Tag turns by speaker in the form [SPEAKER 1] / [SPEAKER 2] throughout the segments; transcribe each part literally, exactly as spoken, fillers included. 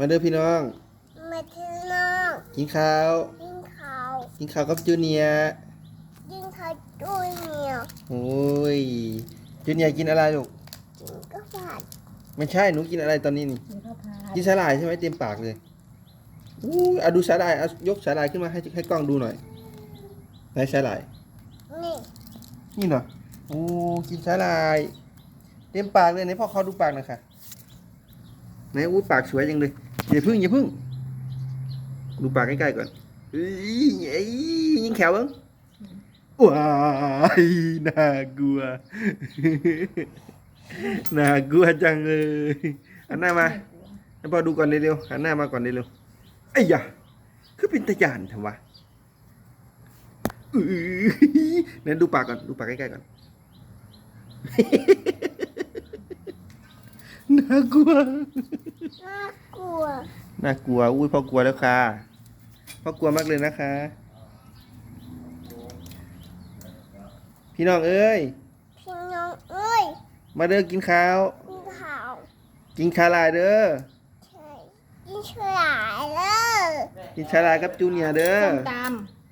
[SPEAKER 1] มาเด้อพี่น้อง
[SPEAKER 2] มาที่น้อง
[SPEAKER 1] กินข้าว
[SPEAKER 2] กินข้าว
[SPEAKER 1] กินข้าวกับจูเนียร์
[SPEAKER 2] กินข้าวด้วยเนี่ย
[SPEAKER 1] โอ้ยจูเนียร์กินอะไรลูก
[SPEAKER 2] กินข้าวผัด
[SPEAKER 1] ไม่ใช่หนูกินอะไรตอนนี้นี่
[SPEAKER 3] กินข้าวผัด
[SPEAKER 1] กินสาหร่ายใช่ไหมเต็มปากเลยอู้เอาดูสาหร่ายเอายกสาหร่ายขึ้นมาให้ให้กล้องดูหน่อยไหนสาหร่าย
[SPEAKER 2] นี่
[SPEAKER 1] นี่เหรอโอ้กินสาหร่ายเต็มปากเลยไหนพ่อเขาดูปากหน่อยค่ะไหนอู้ปากสวยจังเลยอย่าพึ่งอย่าพึ่งดูปากใกล้ๆก่อนเอ้ยเอ้ยยิงแขวเบ้างว้ายน่ากลัวน่ากลัวจังเลยหันหน้ามาให้พ่อดูก่อนเร็วๆหันหน้ามาก่อนเร็วๆไอ้ยะคือเป็นตะยานเถอะวะนั่นดูปากก่อนดูปากใกล้ๆก่อนน่ากลัว
[SPEAKER 2] น่ากลัว
[SPEAKER 1] น่ากลัวอุ้ยพ่อกลัวแล้วค่ะพ่อกลัวมากเลยนะคะพี่น้องเอ้ย
[SPEAKER 2] พี่น้องเอ้ย
[SPEAKER 1] มาเด้อกินข้าว
[SPEAKER 2] กินข้าว
[SPEAKER 1] กินชาลายเด้อ
[SPEAKER 2] ใช่กินฉลายเลย
[SPEAKER 1] กินชาลายกับจูเนียร์เด้อ
[SPEAKER 3] ส้มต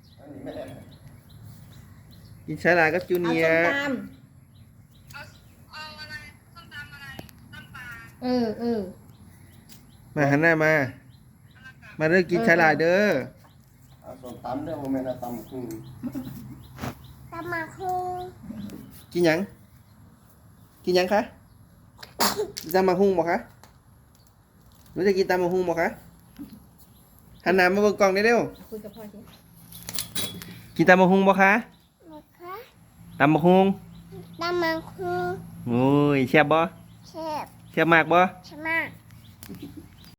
[SPEAKER 1] กินชาลายกับจู
[SPEAKER 3] ำเอา
[SPEAKER 1] เนีย
[SPEAKER 3] ส้ม
[SPEAKER 1] ร์
[SPEAKER 3] ตำเออเออ
[SPEAKER 1] มาหันหน้ามามาเด้อกินชาลายเด้อ
[SPEAKER 4] เอาส้มตำเด้อโมเมนต์ตำคือ
[SPEAKER 2] ตำมาคุง
[SPEAKER 1] กินหยังกินหยังคะกินตำมะฮุ่งบ่คะหนูจะกินตำมะฮุ่งบ่คะหันหน้ามาเบิ่งกล้องได้เร็ว
[SPEAKER 3] คุยกับพ่อสิ
[SPEAKER 1] กินตำมะฮุ่งบ่คะ
[SPEAKER 2] นะคะ
[SPEAKER 1] ตำมะฮุ่ง
[SPEAKER 2] ตำมาคุง
[SPEAKER 1] โอ้ยแซ่บบ่
[SPEAKER 2] แซ่บ
[SPEAKER 1] แซ่บมากบ่
[SPEAKER 2] ใช่ไหม